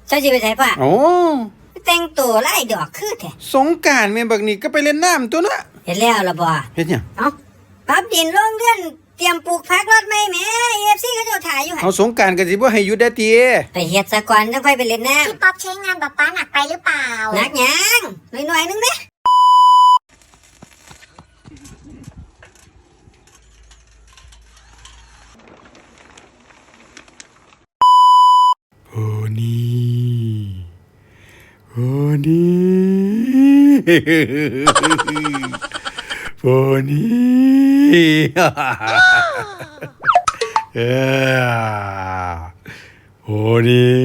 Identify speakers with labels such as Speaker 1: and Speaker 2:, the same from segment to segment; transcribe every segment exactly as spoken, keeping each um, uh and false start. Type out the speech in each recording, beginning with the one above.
Speaker 1: เจ้าสิไปไสพ่อ
Speaker 2: โอ้
Speaker 1: แต่งตัวไล่ดอกคือแท้
Speaker 2: สงกรานต์แม่นบักนี่ก็ไปเล่นน้ำตัวเนาะ
Speaker 1: เฮ็ดแล้วล่ะบ่
Speaker 2: เฮ็ดหยัง
Speaker 1: เอ้าปรับดินลงเรือนเตรียมปลูกผักรถใหม่แหม เอ เอฟ ซี เขาเจ้าถ่ายอยู่หั่น
Speaker 2: เอาสงกรานต์ก็สิบ่ให้หยุดได้ติ
Speaker 1: ไปเฮ็ดซะก่อนจังค่อยไปเล่นน้ำ
Speaker 3: พี่ป๊อปใช้งานป๊าป๊าหนักไปหรือเปล่า
Speaker 1: หนักหยังหน่อยๆนึงเด้
Speaker 2: โอ้นี่โอ้นี่โอ้นี่เออโอ้นี่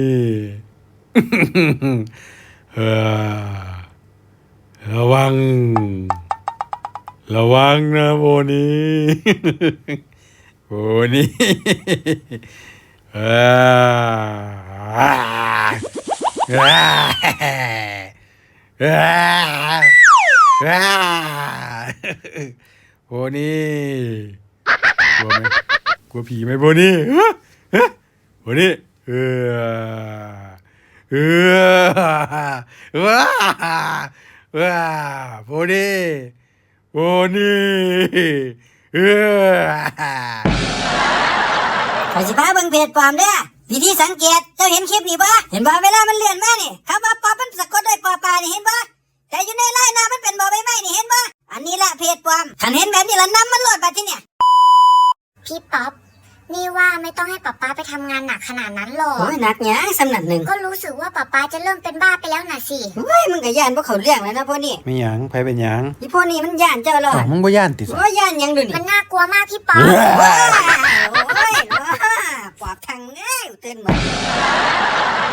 Speaker 2: เออระวังระวังนะโบนี่โบนี่เออเออเออโบนี่กลัวไหมกลัวผีไหมโบนี่โบนี่เออเออว้าว้าโบนี่โบนี่เออ
Speaker 1: ข้อยสิพาเบิ่งเพจปลอมเด้อวิธีสังเกตเจ้าเห็นคลิปนี่บ่เห็นบ่เวลามันเลื่อนมานี่คำว่าป๊อปมันสะกดด้วยปอปลานี่เห็นบ่แต่อยู่ในไลน์หน้ามันเป็นบ่ใบไม้นี่เห็นบ่อันนี้ละเพจปลอมคันเห็นแบบนี้ละนำมันโหลดบัดทีเนี่ย
Speaker 3: พี่ป๊อปนี่ว่าไม่ต้องให้ป๊าป๊าไปทำงานหนักขนาดนั้นหรอก
Speaker 1: โอ้ยหนักหยังสำนักหนึ่ง
Speaker 3: ก็รู้สึกว่าป๊าป๊าจะเริ่มเป็นบ้าไปแล้วน่ะสิ
Speaker 1: เฮ้ยมึงก็ย่านพวกเขาเรื่องแล้วนะพวกนี้
Speaker 2: ไม่หยังไผเป็นหยัง
Speaker 1: อีพวกนี้มันย่านเจ้าหรอ
Speaker 2: มึงบ่ย่านติ
Speaker 1: โอ้ยย่านหยังดูนี่
Speaker 3: มันน่ากลัวมากพี่ป๊อป
Speaker 1: โอ้ยปอบทางง่ายเต้นหมด